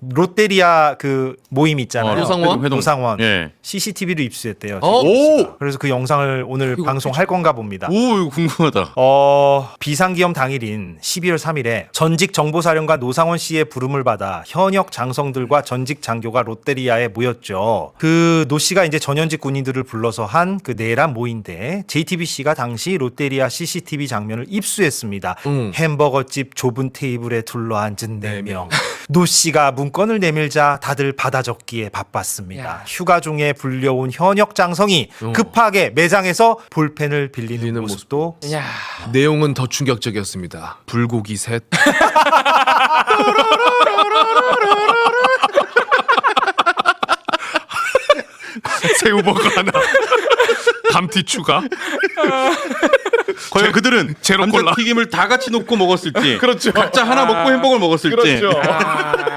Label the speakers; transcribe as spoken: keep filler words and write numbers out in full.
Speaker 1: 롯데리아 그 모임 있잖아요.
Speaker 2: 어, 노상원?
Speaker 1: 회동. 노상원.
Speaker 2: 예.
Speaker 1: 씨씨티비로 입수했대요.
Speaker 2: 어?
Speaker 1: 오! 그래서 그 영상을 오늘 방송할 건가 봅니다.
Speaker 2: 오, 이거 궁금하다.
Speaker 1: 어, 비상기염 당일인 십이월 삼일에 전직 정보사령관 노상원 씨의 부름을 받아 현역 장성들과 전직 장교가 롯데리아에 모였죠. 그 노 씨가 이제 전현직 군인들을 불러서 한 그 내란 모인데 제이티비씨가 당시 롯데리아 씨씨티비 장면을 입수했습니다.
Speaker 3: 음.
Speaker 1: 햄버거집 좁은 테이블에 둘러앉은 네 명. 노 씨가 문건을 내밀자 다들 받아 적기에 바빴습니다.
Speaker 3: 야.
Speaker 1: 휴가 중에 불려온 현역 장성이 급하게 매장에서 볼펜을 빌리는,
Speaker 3: 빌리는
Speaker 1: 모습도
Speaker 3: 야. 내용은 더 충격적이었습니다. 불고기 셋. 새우버거 하나. 감튀 추가.
Speaker 2: 과연 그들은
Speaker 3: 제로 콜라.
Speaker 2: 감자튀김을 다 같이 놓고 먹었을지,
Speaker 3: 그렇죠.
Speaker 2: 각자 하나 먹고 햄버거를 먹었을지.
Speaker 3: 그렇죠.